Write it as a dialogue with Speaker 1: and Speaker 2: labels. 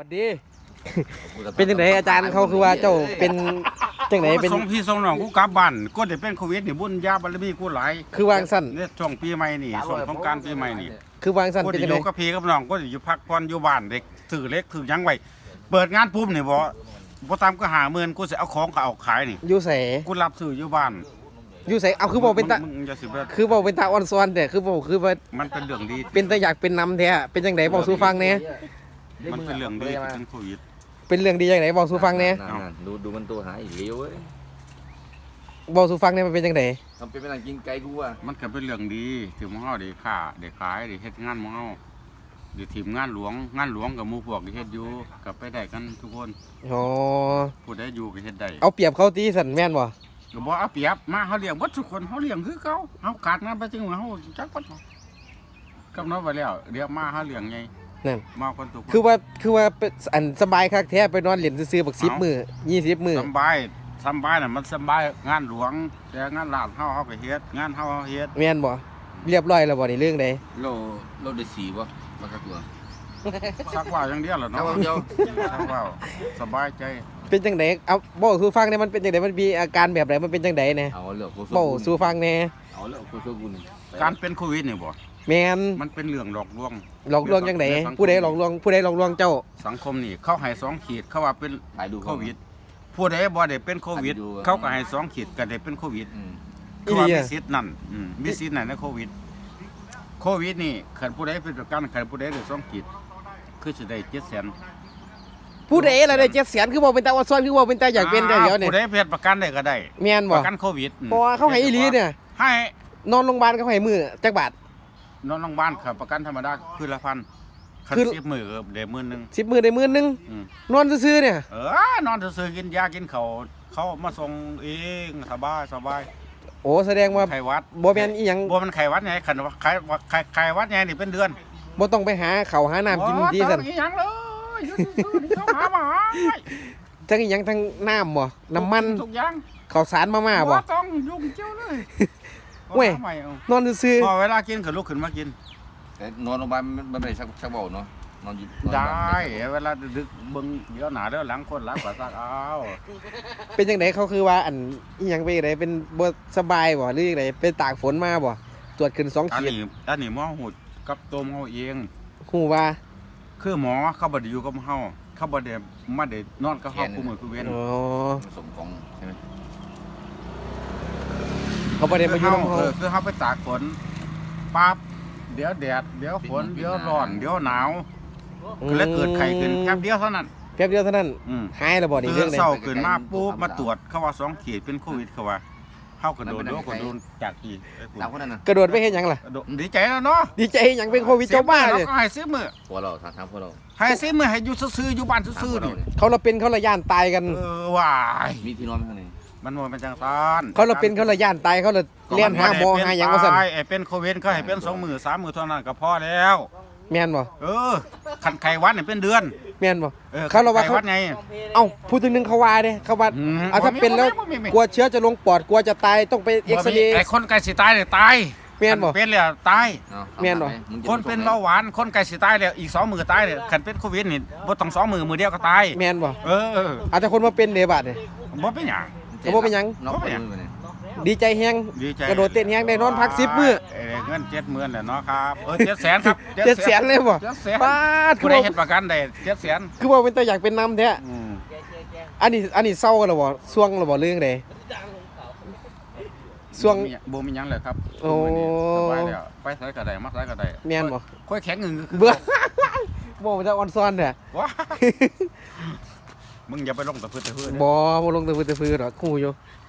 Speaker 1: วัสดี เป็นจังไดอาจารย์เขาคือว่าเจ้าเป็นจังไดเป็น
Speaker 2: ส่งพี่ส่งน้องกูกลับบ้านก็ได้เป็นโควิดนี่บุญญาบารมีกูหลาย
Speaker 1: คือวางสั้น
Speaker 2: เนี่ยช่วงปีใหม่นี่ช่วงสงกรานต์ปีใหม่นี่
Speaker 1: คือวางสั้น
Speaker 2: กู
Speaker 1: เป็น
Speaker 2: ได้
Speaker 1: จั
Speaker 2: อง ยู่
Speaker 1: ได
Speaker 2: กับพี่กับน้องก็ได้อยู่พักผ่อนอยู่บ้านเด็กถือเล็กถือยังไว้เปิดงานปุ๊บนี่บ่ตามก็50,000กูสิเอาของก็เอาขายนี่
Speaker 1: อยู่ไส
Speaker 2: กูรับซื้ออยู่บ้าน
Speaker 1: อยู่ไสเอาคือบ่เป็นตา
Speaker 2: มึงอย่าสิเบิด
Speaker 1: คือบ่เป็นตาอ่อนซ้อนแต่คือบ่คือว่า
Speaker 2: มันเป็นเรื่องดี
Speaker 1: เป็นตาอยากเป็นนำแท้เป็นจังไดบอกสู่ฟังแหน่
Speaker 2: มันเป็นเรื่องดีที่เป็นโควิด
Speaker 1: เป็นเรื่องดีจังไดบอกสู่ฟังแหน่
Speaker 3: ดูมันตัวหายอีกเลี้ยวเว้ย
Speaker 1: บอกสู่ฟังแหน่มันเป็นจังได
Speaker 3: ทำเป็นเป็นอะไรกินไก่กูอ่ะ
Speaker 2: มันก็เป็นเรื่องดีที่หมู่เฮาได้ค้าได้ขายได้เฮ็ดงานหมู่เฮาได้ทีมงานหลวงกับหมู่พวกที่เฮ็ดอยู่ก็ไปได้กันทุกคน
Speaker 1: อ๋อ
Speaker 2: ผู้ใดอยู่ก็เฮ็ดได้
Speaker 1: เอาเปรียบเขาตีสั่นแม่นบ่
Speaker 2: ก็บ่เอาเปรียบมาเฮาเลี้ยงบ่ทุกคนเฮาเลี้ยงคือเก่าเฮาขาดงานไปจริงว่าเฮาจักบ่กำหนดไว้แล้วเดี๋ยวมาเฮาเลี้ยงไง
Speaker 1: นั่น
Speaker 2: มาคนทุกคน
Speaker 1: คือว่าเป็นอันสบายคักแท้ไปนอนเล่นซื่อๆบัก10มื้อ20มื้อ
Speaker 2: สำบายน่ะมันสำบายงานหลวงแต่งานลาดเฮาก็เฮ็ดงานเฮาเฮ็ด
Speaker 1: แม่นบ่เรียบร้อยแล้วบ่นี่เรื่องใด
Speaker 3: โลได้สีวะมันก็ตัว
Speaker 2: สักว่าอย่างเดียวล่ะ
Speaker 3: เอา
Speaker 2: เนาะ
Speaker 3: เดียว
Speaker 2: สักว่าสบายใจ
Speaker 1: เป็นจังไดเอาบอกสู่ฟังแหน่มันเป็นจังไดมันมีอาการแบบไหนมันเป็นจังไดแหน่
Speaker 3: เอาเลือกกู
Speaker 1: บอกสู่ฟังแหน่
Speaker 3: เอาเลือกกูช่วยกูหนึ่ง
Speaker 2: การเป็นโควิดนี่บ่
Speaker 1: แม่น
Speaker 2: มันเป็นเรื่องหลอกลวง
Speaker 1: หลอกลวงจังไดผู้ใดหลอกลวงเจ้า
Speaker 2: สังคมนี่เขาให้2 ขีดเขาว่าเป็น
Speaker 3: ถ่ายดู
Speaker 2: โควิดผู้ใดบ่ได้เป็นโควิด เขาก็ให้2 ขีดก็ได้เป็นโควิด คือว่ามีสิทธิ์นั่นมีสิทธิ์นั่นในโควิดนี่ขันผู้ใดเป็นประกันขันผู้ใดได้2 ขีดคือสิได้700,000
Speaker 1: ผู้ใดล่ะได้700,000คือบ่เป็นตาอดซ้อนคือบ่เป็นตาอยากเป็นได้เดี๋ยวนี่
Speaker 2: ผู้ใดเพศประกันได้ก็ได้
Speaker 1: แม่น
Speaker 2: ป
Speaker 1: บ่
Speaker 2: ระกันโควิด
Speaker 1: เพราะว่าเขาให้อีหลีเนี่ย
Speaker 2: ให้
Speaker 1: นอนโรงพยาบาลเขาให้มื้อจักบาท
Speaker 2: นอนโรงพยาบาลครับประกันธรรมดาคืนละ1,000คัน
Speaker 1: คือ
Speaker 2: 10 มื้อก็ได้10,000
Speaker 1: 10มื้อได้มื้อนึง
Speaker 2: อืม
Speaker 1: นอนซื่อๆเนี่ย
Speaker 2: นอนซื่อๆกินยากินข้าวเขามาส่งเองสบาย
Speaker 1: โอ้แสดงว่า
Speaker 2: ไข้หวัด
Speaker 1: บ่แม่นอีหยัง
Speaker 2: บ่มันไข้หวัดไงคันว่าไข้หวัดไงนี่เป็นเดือน
Speaker 1: บ่ต้องไปหาข้าวหาน้ำกินที่ซั่น
Speaker 2: บ่ต้องอีหยังเลยอยู่ซื่อๆนี่เขาหามาให้
Speaker 1: ทั้งอีหยังทั้งน้ำบ่น้ำมัน
Speaker 2: ทุกอย่าง
Speaker 1: ข้าวสารมาม่าบ่
Speaker 2: ต้องยุ่งเจ้าเลย
Speaker 1: เว้ย
Speaker 2: อาใหม่เอา
Speaker 1: นอนซื่อ
Speaker 2: พอเวลากินก็ลุกขึ้นมากิน
Speaker 3: แต่นอนโรงพยาบาลมันไม่ได้ชักเบาเนาะนอนอยู่
Speaker 2: ได้เวลาดึกเบิ่งเดี๋ยวหน้าเดี๋ยวหลังคนหลังกว่าซักเอา
Speaker 1: ๆเป็นจังไดเขาคือว่าอันอีหยังไปจังไดเป็นบ่สบายบ่หรือจังไดไปตากฝนมาบ่ตรวจขึ้น2
Speaker 2: อัน
Speaker 1: ขีด
Speaker 2: นี้หมอหูดกับตัวหมอเอง
Speaker 1: ฮู้ว่า
Speaker 2: คือหมอเขาบ่ได้อยู่กับเฮาเขาบ่ได้มาได้นอนกับเฮาคู่มือคู่เว้น
Speaker 1: อ๋อ
Speaker 3: ผสมของใช่ไหม
Speaker 1: เขาบ่ได้มาอยู่นำเฮา
Speaker 2: คือเฮาไปตากฝนปั๊บเดี๋ยวแดดเดี๋ยวฝนเดี๋ยวร้อนเดี๋ยวหนาวก็เลยเกิดไข้ขึ้นแป๊บเดียวเท่านั้น
Speaker 1: แป๊บเดียวเท่านั้น
Speaker 2: อืม
Speaker 1: หายแล้วบ่นี่
Speaker 2: ตื่
Speaker 1: เรื่อน งใด
Speaker 2: เช้าขึ้นมาปุ๊บมาตรวจเขาว่า2 ขีดเป็นโควิดเขาว่าเฮาก็โดนจากอีก
Speaker 3: สามคนนั้นนะ
Speaker 1: กระโดดไปเฮ็ดหยังล่ะ
Speaker 2: ดีใจแล้วเนาะ
Speaker 1: ดีใจหยังเป็นโควิดเจ้าบ้าเลย
Speaker 2: ก็ให้ซื้อมือ
Speaker 3: พวกเราทางพวกเรา
Speaker 2: ให้ซื้อมือให้อยู่ซื่อๆอยู่บ้านซื่อๆนี่
Speaker 1: เขาละเป็นเขาละย่านตายกัน
Speaker 2: ว้าย
Speaker 3: มีที่นอนไหมข้างใน
Speaker 2: มันบ่เป็นจังซั่น
Speaker 1: เขาละเป็นเขาละย่านตายเขาละเลี้ยนหาหมอหาหยังว่าซั่น
Speaker 2: ไอ้เป็นโควิดก็ให้เป็น2 มื้อ3 มื้อเท่านั้นก็พอแล้ว
Speaker 1: แม่นบ่
Speaker 2: คันไข้หวัดนี่เป็นเดือน
Speaker 1: แม่นบ่เขาละว่า
Speaker 2: ไข้
Speaker 1: เขา
Speaker 2: หวัดไง
Speaker 1: เอ้าพูดถึงนึงเขาว่าเด้เขาว่า
Speaker 2: อืม
Speaker 1: เอาถ้าเป็นแล้ว
Speaker 2: บ่มี
Speaker 1: กลัวเชื้อจะลงปอดกลัวจะตายต้องไปเอ็กซเรย์
Speaker 2: ไอ้คนไก่สิตายเนี่ยตาย
Speaker 1: แม่นบ่
Speaker 2: คัเป็นแล้วตาย
Speaker 1: แม่นบ่
Speaker 2: คนเป็นเบาหวานคนไก่สิตายแล้วอีก2 มื้อตายเนี่ยคันเป็นโควิดนี่บ่ต้อง2 มื้อมื้อเดียวก็ตาย
Speaker 1: แม่นบ่
Speaker 2: เออ
Speaker 1: อาจจะคนมาเป็นเดบาดเนี่ย
Speaker 2: บ่เป็นหยัง
Speaker 1: เขาบอกเป็นหยัง
Speaker 3: น้องไปดูไปเนี่ย
Speaker 1: ดีใจแฮง
Speaker 2: ดีใจ
Speaker 1: กระโดดเต้นแฮงได้นอนพัก10มื้อ
Speaker 2: เงิน70,000แหละเนาะครับ700,000ครับ
Speaker 1: 700,000เลยบ่
Speaker 2: 700,000
Speaker 1: ปาดคื
Speaker 2: ผู้
Speaker 1: อ
Speaker 2: ใด
Speaker 1: ว่า
Speaker 2: เฮ็ดประกันได้700,000
Speaker 1: คือว่าเป็นตัวอยากเป็นนำแท้อันนี้เศร้ากันหรอบ่ช่วงหรอบ่เรื่องใดช่วง
Speaker 2: บ่มีหยังเลยครับ
Speaker 1: โอ้
Speaker 2: สบายแล้วไปไสก็ได้มาไสก็ได้
Speaker 1: แม่นบ่
Speaker 2: ค่อยแข็งงึงคือ
Speaker 1: เบื่อ บ่มันจะออนซ้อนเด้อ
Speaker 2: ว้ามึงอย่าไปลงตะพื้น
Speaker 1: บ่ลงแต่พื้นหรอกคู่อยู่